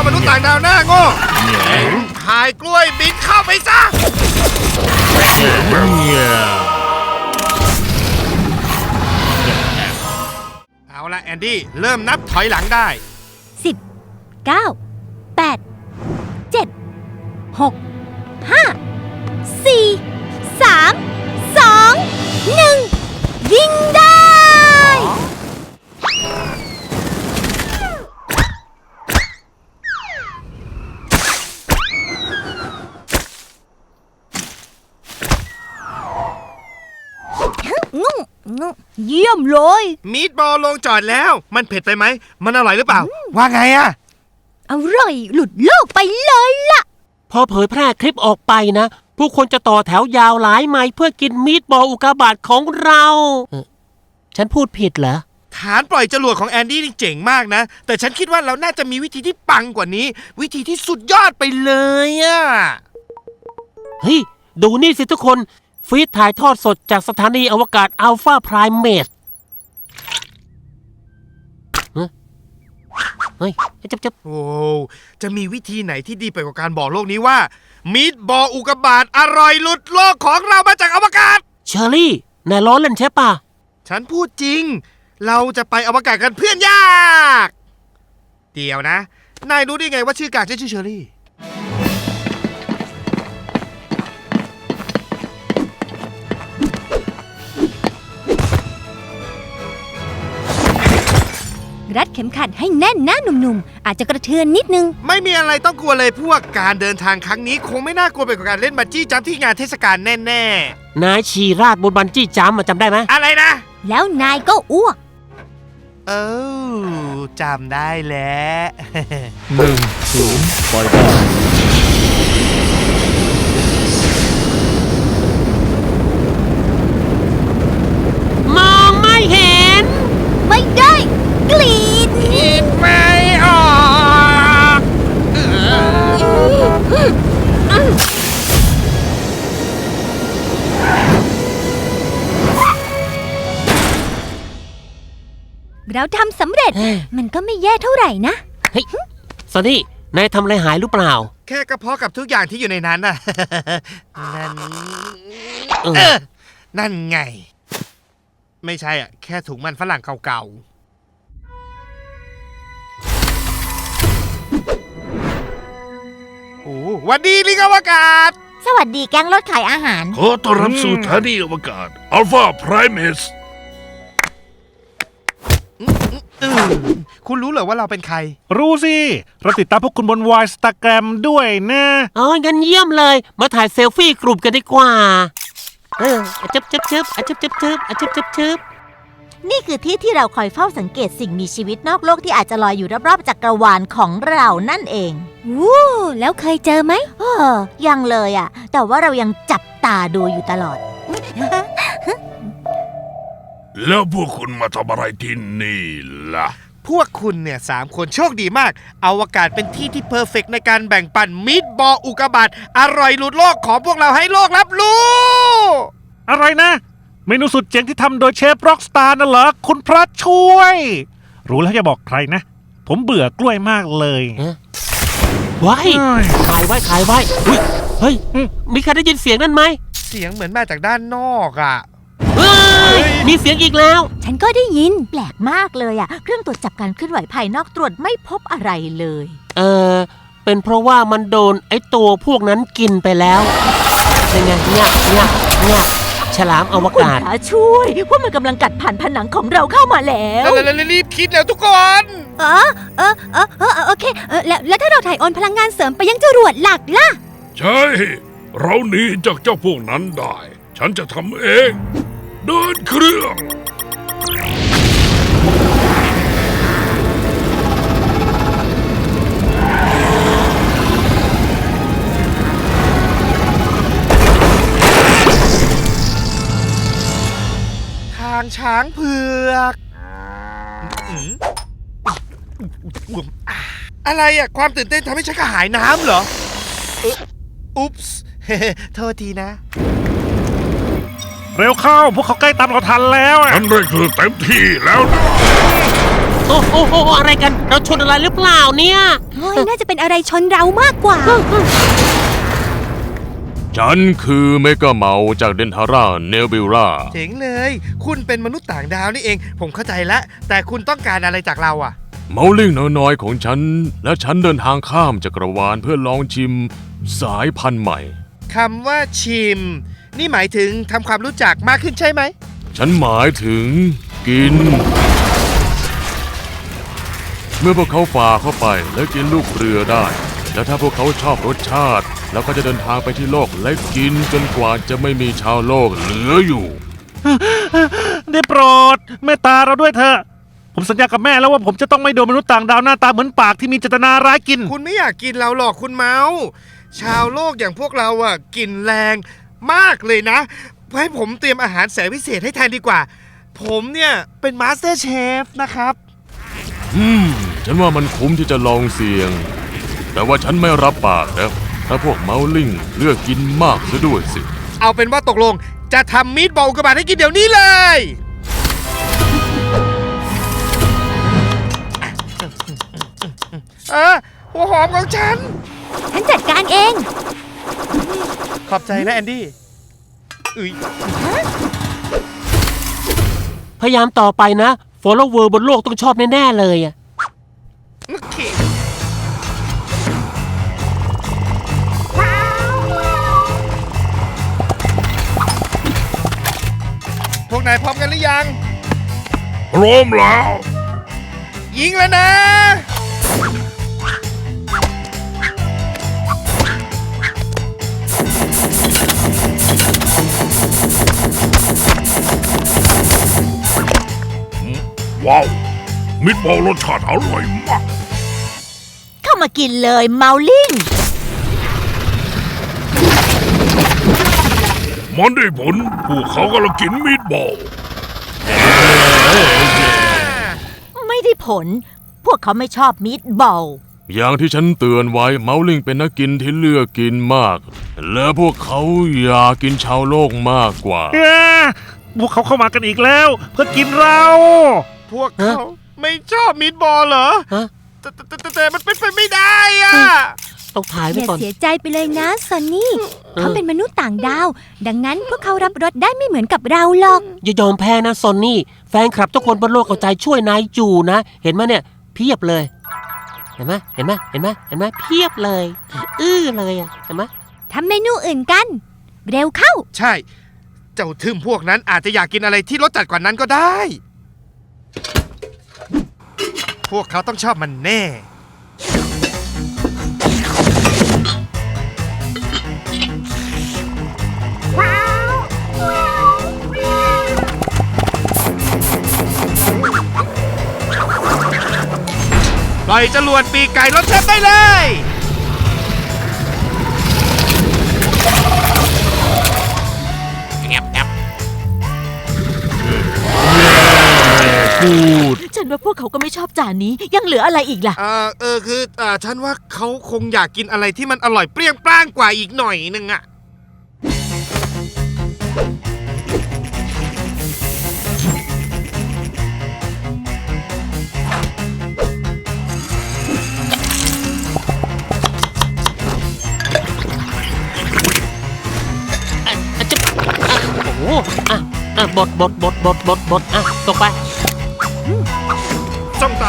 มนุษย์ต่างดาวหน้าโง่หายกล้วยบินเข้าไปซะเอาละแอนดี้เริ่มนับถอยหลังได้ 10 9 8 7 6 5 4 3 2 1ยิงได้เยี่ยมเลยมีดบอลลงจอดแล้วมันเผ็ดไปไหมมันอร่อยหรือเปล่าว่าไงอะอร่อยหลุดโลกไปเลยล่ะพอเผยแพร่คลิปออกไปนะผู้คนจะต่อแถวยาวหลายไมล์เพื่อกินมีดบอลอุกกาบาตของเราฉันพูดผิดเหรอฐานปล่อยจรวดของแอนดี้นี่เจ๋งมากนะแต่ฉันคิดว่าเราน่าจะมีวิธีที่ปังกว่านี้วิธีที่สุดยอดไปเลยอะเฮ้ยดูนี่สิทุกคนฟีดถ่ายทอดสดจากสถานีอวกาศอัลฟาไพรเมสเฮ้ยจับโอ้จะมีวิธีไหนที่ดีไปกว่าการบอกโลกนี้ว่ามีดบอลอุกกาบาตอร่อยหลุดโลกของเรามาจากอวกาศเชอรี่นายล้อเล่นใช่ปะฉันพูดจริงเราจะไปอวกาศกันเพื่อนยากเดี๋ยวนะนายรู้ได้ไงว่าชื่อกากชื่อเชอรี่รัดเข็มขัดให้แน่นนะหนุ่มๆอาจจะกระเทือนนิดนึงไม่มีอะไรต้องกลัวเลยพวกการเดินทางครั้งนี้คงไม่น่ากลัวไปกว่าการเล่นบันจี้จัมป์ที่งานเทศกาลแน่ๆนายชีราดบนบันจี้จัมป์จำได้ไหมอะไรนะแล้วนายก็อ้วกจำได้แล้ว 1-0 ไปได้มองไม่เห็นไม่ได้กรีดไม่ออกเราทำสำเร็จมันก็ไม่แย่เท่าไหร่นะเฮ้ยซอนนี่นายทำอะไรหายหรือเปล่าแค่กระเพาะกับทุกอย่างที่อยู่ในนั้นน่ะนั่นไงไม่ใช่อ่ะแค่ถุงมันฝรั่งเก่าๆวันดีลิงอวกาศสวัสดีแก๊งรถขายอาหารขอต้อนรับสู่สถานีอวกาศอัลฟาไพรเมสคุณรู้เหรอว่าเราเป็นใครรู้สิเราติดตามพวกคุณบนวายสตาแกรมด้วยนะงั้นเยี่ยมเลยมาถ่ายเซลฟี่กลุ่มกันดีกว่าจับนี่คือที่ที่เราคอยเฝ้าสังเกตสิ่งมีชีวิตนอกโลกที่อาจจะลอยอยู่รอบๆจักรวาลของเรานั่นเองวู้แล้วเคยเจอไหมยังเลยอ่ะแต่ว่าเรายังจับตาดูอยู่ตลอดแล้วพวกคุณมาทำอะไรที่นี่ล่ะพวกคุณเนี่ย3 คนโชคดีมากอวกาศเป็นที่ที่เพอร์เฟกต์ในการแบ่งปันมีดบอลอุกกาบาตอร่อยหลุดโลกของพวกเราให้โลกรับรู้อะไรนะเมนูสุดเจ๋งที่ทำโดยเชฟร็อกสตาร์น่ะเหรอคุณพระช่วยรู้แล้วอย่าบอกใครนะผมเบื่อกล้วยมากเลยไว้ถ่ายไว้เฮ้ยมีใครได้ยินเสียงนั่นไหมเสียงเหมือนมาจากด้านนอกอ่ะมีเสียงอีกแล้วฉันก็ได้ยินแปลกมากเลยอ่ะเครื่องตรวจจับการเคลื่อนไหวภายนอกตรวจไม่พบอะไรเลยเป็นเพราะว่ามันโดนไอ้ตัวพวกนั้นกินไปแล้วเป็นไงเนี่ยฉลามอวกาศช่วยพวกมันกำลังกัดผ่านผนังของเราเข้ามาแล้วรีบคิดแล้วทุกคนโอเคแล้วถ้าเราถ่ายโอนพลังงานเสริมไปยังจรวดหลักล่ะใช่เราหนีจากเจ้าพวกนั้นได้ฉันจะทำเองเดินเครื่องทางช้างเผือกอะไรอ่ะความตื่นเต้นทำให้ฉันกระหายน้ำเหรออุ๊ปส์โทษทีนะเร็วเข้าพวกเขาใกล้ตามเราทันแล้วฉันได้คือเต็มที่แล้วนะโอ้โหอะไรกัน เราชนอะไรหรือเปล่าเนี่ยเฮ้ยน่าจะเป็นอะไรชนเรามากกว่าฉันคือเมกาเมาจากเดนทาร่าเนบิลล่าเจ๋งเลย คุณเป็นมนุษย์ต่างดาวนี่เอง ผมเข้าใจแล้ว แต่คุณต้องการอะไรจากเราอ่ะเมาลิ่งน้อยๆของฉัน และฉันเดินทางข้ามจักรวาลเพื่อลองชิมสายพันธุ์ใหม่คำว่าชิม นี่หมายถึงทำความรู้จักมากขึ้นใช่ไหมฉันหมายถึงกิน เมื่อพวกเขาฝ่าเข้าไปและกินลูกเรือได้ แล้วถ้าพวกเขาชอบรสชาติ แล้วก็จะเดินทางไปที่โลกและกินจนกว่าจะไม่มีชาวโลกเหลืออยู่ได้โปรดเมตตาเราด้วยเถอะผมสัญญากับแม่แล้วว่าผมจะต้องไม่โดนมนุษย์ต่างดาวหน้าตาเหมือนปากที่มีเจตนาร้ายกินคุณไม่อยากกินเราหรอกคุณเมาส์ชาวโลกอย่างพวกเราอ่ะกินแรงมากเลยนะให้ผมเตรียมอาหารแสนพิเศษให้แทนดีกว่า ผมเนี่ยเป็นมาสเตอร์เชฟนะครับฉันว่ามันคุ้มที่จะลองเสี่ยง แต่ว่าฉันไม่รับปากนะถ้าพวกเมาลิ่งเลือกกินมากซะด้วยสิเอาเป็นว่าตกลงจะทำมีดบอลอุกกาบาตให้กินเดี๋ยวนี้เลยหัวหอมของฉันฉันจัดการเองขอบใจนะแอนดี้อุ๊ยพยายามต่อไปนะ follower บนโลกต้องชอบแน่ๆเลยอะโอเคพวกนายพร้อมกันหรือยังพร้อมแล้วยิงแล้วนะว้าว มิตรบอลรสชาติอร่อยมากเข้ามากินเลยเมาลิงมันได้ผลพวกเขากำลังกินมิตรบอลไม่ได้ผล พวกเขาไม่ชอบมีดบอลอย่างที่ฉันเตือนไว้เมาลิ่งเป็นนักกินที่เลือกกินมาก และพวกเขาอยากกินชาวโลกมากกว่าพวกเขาเข้ามากันอีกแล้ว เพื่อกินเราพวกเขาไม่ชอบมีดบอลเหรอฮะแต่มันเป็นไปไม่ได้อะต้องถ่ายอไว้ย่าก่อนเสียใจไปเลยนะซอนนี่ เขาเป็นมนุษย์ต่างดาว ดังนั้นพวกเขารับรสได้ไม่เหมือนกับเราหรอกอย่ายอมแพ้นะซอนนี่ แฟนคลับทุกคนบนโลกเอาใจช่วยนายอยู่นะ เห็นไหมเนี่ย เพียบเลย เห็นไหมเห็นไหมเห็นไหมเห็นไหมเพียบเลย เลยอ่ะ เห็นไหมทำเมนูอื่นกัน เร็วเข้าใช่ เจ้าทึมพวกนั้นอาจจะอยากกินอะไรที่รสจัดกว่านั้นก็ได้ พวกเขาต้องชอบมันแน่ ปล่อยจรวดปีกไก่รถเชฟได้เลยฉันว่าพวกเขาก็ไม่ชอบจานนี้ ยังเหลืออะไรอีกล่ะฉันว่าเขาคงอยากกินอะไรที่มันอร่อยเปรี้ยงปร้างกว่าอีกหน่อยนึงอะโอ้โหบดอ่ะตกไปจ้องตา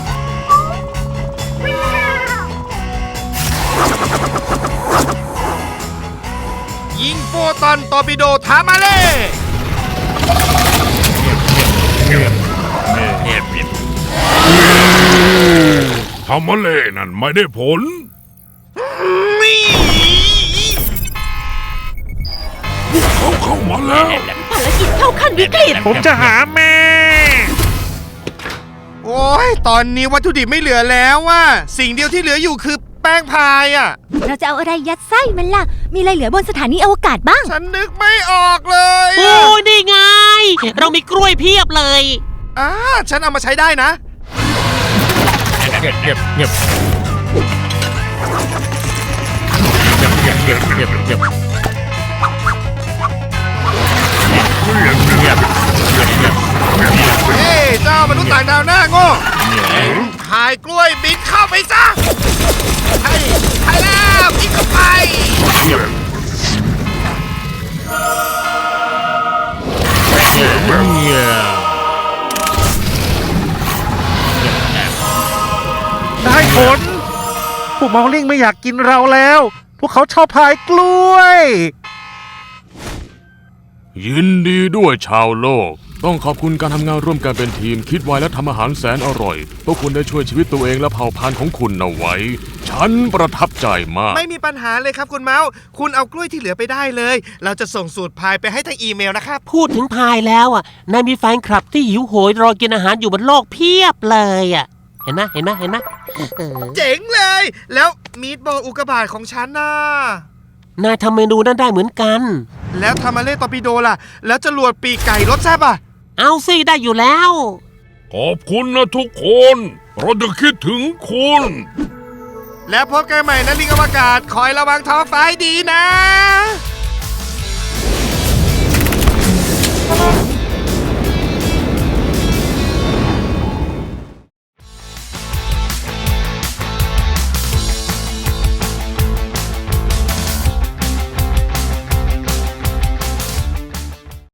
ยิงโฟตอนตอร์ปิโดถามาเล่ทำมาเล่นั่นไม่ได้ผลนี่เขาเข้ามาแล้วภารกิจเข้าขั้นวิกฤตผมจะหาแม่โอ้ยตอนนี้วัตถุดิบไม่เหลือแล้วว่ะสิ่งเดียวที่เหลืออยู่คือแป้งพายอ่ะเราจะเอาอะไรยัดไส้มันล่ะ มีอะไรเหลือบนสถานีอวกาศบ้างฉันนึกไม่ออกเลยโอ้ยนี่ไง เรามีกล้วยเพียบเลยฉันเอามาใช้ได้นะ เฮ้ยเจ้ามนุษย์ต่างดาวหน้าโง่พายกล้วยบินเข้าไปซะใช่แล้วบินเข้าไปได้ผล พวกมอลลิงไม่อยากกินเราแล้ว พวกเขาชอบพายกล้วยยินดีด้วยชาวโลก ต้องขอบคุณการทำงานร่วมกันเป็นทีมคิดไวและทำอาหารแสนอร่อย พวกคุณได้ช่วยชีวิตตัวเองและเผ่าพันธุ์ของคุณเอาไว้ ฉันประทับใจมากไม่มีปัญหาเลยครับคุณเมาส์คุณเอากล้วยที่เหลือไปได้เลย เราจะส่งสูตรพายไปให้ทางอีเมลนะครับพูดถึงพายแล้วอ่ะนายมีแฟนคลับที่หิวโหยรอกินอาหารอยู่บนโลกเพียบเลยอ่ะ เห็นไหมเห็นไหมเห็นไหมเออเจ๋งเลย แล้วมีดบอลอุกกาบาตของฉันน่ะนายทำเมนูนั้นได้เหมือนกันแล้วทามาเล่ตอร์ปิโดล่ะ แล้วจรวดปีกไก่รสแซ่บอ่ะเอาสิได้อยู่แล้วขอบคุณนะทุกคน เราจะคิดถึงคุณแล้วพบกันใหม่นะลิงอวกาศคอยระวังท้องฟ้าให้ดีนะ